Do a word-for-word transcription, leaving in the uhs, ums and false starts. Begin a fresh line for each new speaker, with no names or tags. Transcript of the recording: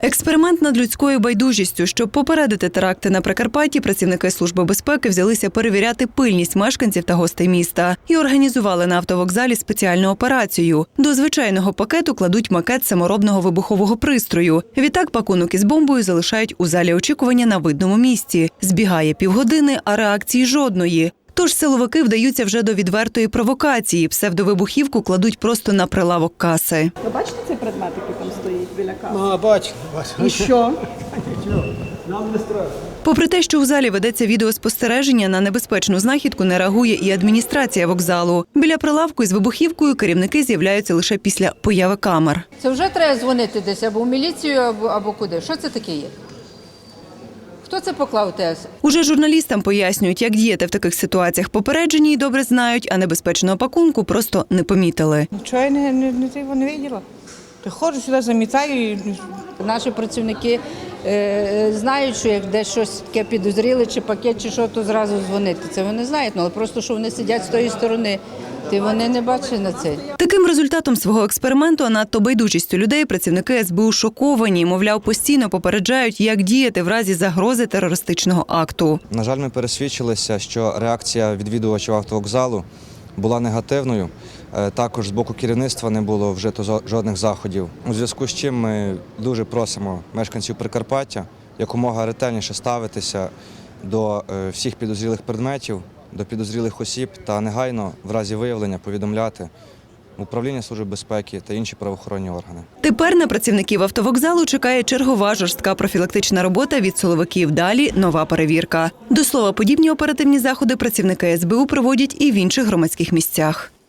Експеримент над людською байдужістю. Щоб попередити теракти на Прикарпатті, працівники Служби безпеки взялися перевіряти пильність мешканців та гостей міста і організували на автовокзалі спеціальну операцію. До звичайного пакету кладуть макет саморобного вибухового пристрою. Відтак пакунок із бомбою залишають у залі очікування на видному місці. Збігає півгодини, а реакції жодної. Тож силовики вдаються вже до відвертої провокації. Псевдовибухівку кладуть просто на прилавок каси.
Ви бачите цей предмет, який там стоїть біля каси?
А, бачу, бачу.
І що?
Нам не страшно.
Попри те, що у залі ведеться відеоспостереження, на небезпечну знахідку не реагує і адміністрація вокзалу. Біля прилавку із вибухівкою керівники з'являються лише після появи камер.
Це вже треба дзвонити десь або в міліцію, або, або куди. Що це таке є? Хто це поклав ТС?
Уже журналістам пояснюють, як діяти в таких ситуаціях. Попереджені й добре знають, а небезпечного пакунку просто не помітили.
Нічого я не, не, не, не, не бачила. Приходжу сюди, замітаю. І...
Наші працівники е, знають, що як десь щось таке підозріли, чи пакет, чи що, то зразу дзвонити. Це вони знають, але просто, що вони сидять з тої сторони, ти вони не бачать на це.
Таким результатом свого експерименту, а надто байдужістю людей, працівники ес бе у шоковані. Мовляв, постійно попереджають, як діяти в разі загрози терористичного акту.
На жаль, ми пересвідчилися, що реакція відвідувачів автовокзалу була негативною. Також з боку керівництва не було вжито жодних заходів. У зв'язку з чим ми дуже просимо мешканців Прикарпаття якомога ретельніше ставитися до всіх підозрілих предметів, до підозрілих осіб та негайно в разі виявлення повідомляти Управління Служби безпеки та інші правоохоронні органи.
Тепер на працівників автовокзалу чекає чергова жорстка профілактична робота від силовиків. Далі – нова перевірка. До слова, подібні оперативні заходи працівники ес бе у проводять і в інших громадських місцях.